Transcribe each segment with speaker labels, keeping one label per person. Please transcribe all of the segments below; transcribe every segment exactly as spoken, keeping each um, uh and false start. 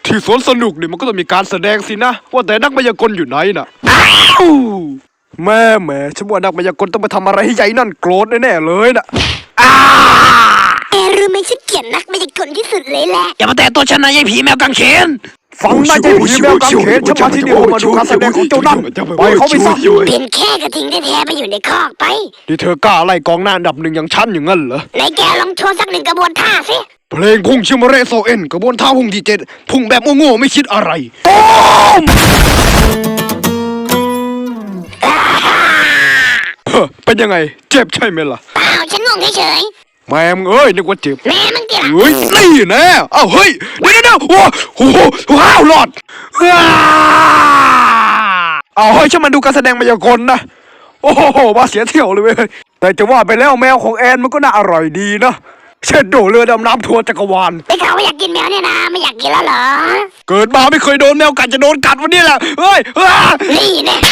Speaker 1: ที่สวนสนุกนี่มันก็ต้องมีการแสดงสินะว่าแต่นักมายากลอยู่ไหนน่ะอ้าวแม่แม่ฉันว่านักมายากลต้องไปทำอะไรให้ใหญ่นั่นโกรธแน่ๆเลยน่ะอ้า
Speaker 2: แกรู้ไหมฉันเกลียดนักมายากลที่สุดเลยแหละ
Speaker 3: อย่ามาแตะตัวฉันนะยายผีแมวกางเขน
Speaker 1: ฟังนะยายผีแมวกางเขนฉันมาที่นี่เพื่อมาดูการแสดงของเจ้านั่นปล่อยเขาไปซะ
Speaker 2: เป็นแค่กระทิงแท้ๆไปอยู่ในคอกไป
Speaker 1: นี่เธอกล้าไล่กองหน้าอันดับหนึ่งอย่างฉันอย่างนั้นเหรอ
Speaker 2: ไหนแกลองโชว์สักหนึ่งกระบวนท่าสิ
Speaker 1: เพลงพุ่งชิมเรโซเอ็นกระบวนท่าพุ่งที่เจ็ดพุ่งแบบโง่ๆไม่คิดอะไรโอ้มเป็นยังไงเจ็บใช่ไหมล่ะ
Speaker 2: เปล่าฉันงงเฉย
Speaker 1: แม่มึงเอ้ยนึกว่าเจ็บ
Speaker 2: แม่มึงกี่ล่ะ
Speaker 1: เฮ้ยนี่แน่เอ้าเฮ้ยเดี๋ยวเดี๋ยวโอ้โหว้าวหลอดเอาเฮ้ยฉันมาดูการแสดงมายากลนะโอ้โหมาเสียเที่ยวเลยเว้ยแต่จะว่าไปแล้วแมวของแอนมันก็น่าอร่อยดีนะเช่นโดเรือดำน้ำทัวร์จักรวาล
Speaker 2: ได้ข่าวว่าอยากกินแมวเนี่ยนะไม่อยากกินแล้วเหรอ
Speaker 1: เกิดมาไม่เคยโดนแมวกัดจะโดนกัดวันนี้แหละเฮ้ย
Speaker 2: นี่แน่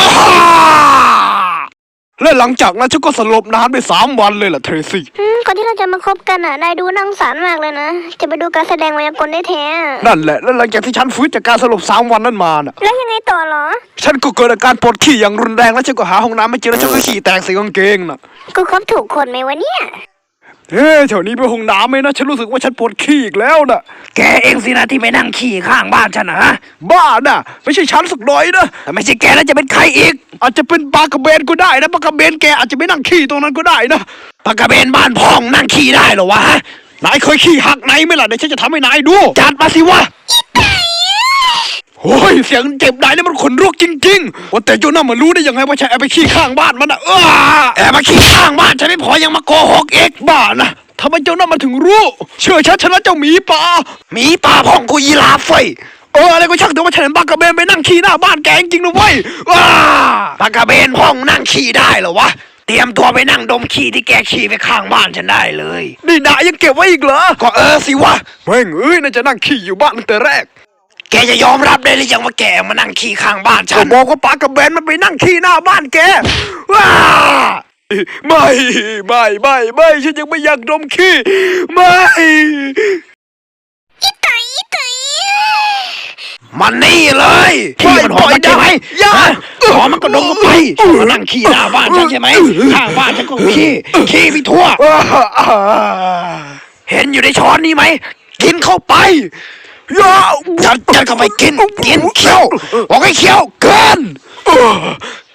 Speaker 1: และหลังจากนั้นฉันก็สลบนานไปสามวันเลยล่ะเทรซี่
Speaker 2: ก่อนที่เราจะมาคบกันอ่ะนายดูน่าสงสารมากเลยนะจะไปดูการแสดงมายากลได้แท้
Speaker 1: นั่นแหละแล้วหลังจากที่ฉันฟื้นจากการสลบสามวันนั้นมาน่ะ
Speaker 2: แล้วยังไงต่อเหรอ
Speaker 1: ฉันก็เกิดอาการปวดขี้อย่างรุนแรงแล้วฉันก็หาห้องน้ำไม่เจอแล้วฉันก็ขี้แตกใส่กางเกงน่ะ
Speaker 2: กูคบถูกคนไหมวะเนี่ย
Speaker 1: เฮ้ยแถวนี้เป็นห้องน้ำไหมนะฉันรู้สึกว่าฉันปวดขี้อีกแล้วน่ะ
Speaker 3: แกเองสินะที่ไปนั่งขี้ข้างบ้านฉันนะฮะ
Speaker 1: บ้าน่ะไม่ใช่ฉันสักหน่อยนะ
Speaker 3: ไม่ใช่แกแล้วจะเป็นใครอีก
Speaker 1: อาจจะเป็นปลากระเบนก็ได้นะปลากระเบนแกอาจจะไม่นั่งขี้ตรงนั้นก็ได้นะ
Speaker 3: ปลากระเบนบ้านพองนั่งขี้ได้เหรอวะฮะ
Speaker 1: นายเคยขี้หักไหนไหมล่ะเดี๋ยวฉันจะทำให้นายดู
Speaker 3: จัดมาสิวะ
Speaker 1: โอ้ยเสียงเจ็บได้แล้วมันขนลุกจริงๆว่าแต่เจ้านั่นมันรู้ได้ยังไงว่าฉันแอบไปขี้ข้างบ้านมันอ่ะ
Speaker 3: แอบมาขี้ข้างบ้านฉันไม่พอยังมาโกหกเอก
Speaker 1: บ้านะทำไมเจ้านั่นมาถึงรู้เชื่อฉันฉันนะเจ้าหมีป่า
Speaker 3: หมีป่าพ่องกูยีราฟเฟ้ย
Speaker 1: เอออะไรก็ช่างแต่ว่าฉันเห็นปลากระเบนไปนั่งขี้หน้าบ้านแกจริงๆนะเว้ยว้า
Speaker 3: ปลากระเบนพ่องนั่งขี้ได้เหรอวะเตรียมตัวไปนั่งดมขี้ที่แกขี้ไปข้างบ้านฉันได้เลย
Speaker 1: นี่นายยังเก็บไว้อีกเหรอ
Speaker 3: ก็เออสิวะ
Speaker 1: แม่งเอ้ยน่าจะนั่งขี้อยู่บ้านตั้งแต่แรก
Speaker 3: แกจะยอมรับได้หรือยังว่าแกมานั่งขี้ข้างบ้านฉัน
Speaker 1: บอกว่าปลากระเบนมันไปนั่งขี้หน้าบ้านแกว้าไม่ไม่ไม่ไม่ฉันยังไม่อยากดมขี้ไม่
Speaker 2: อีไตอีไต
Speaker 3: มันนี่เลยขี้มันหอมใช่ไหม
Speaker 1: ย่า
Speaker 3: หอมมันก็ดมกันไปมานั่งขี้หน้าบ้านฉันใช่ไหมข้างบ้านฉันก็ขี้ขี้ไปทั่วเห็นอยู่ในช้อนนี้ไหมกินเข้าไป
Speaker 1: ย่า
Speaker 3: จัดจัดเข้าไปกินกินเคี้ยวบอกให้เคี้ยวเกิน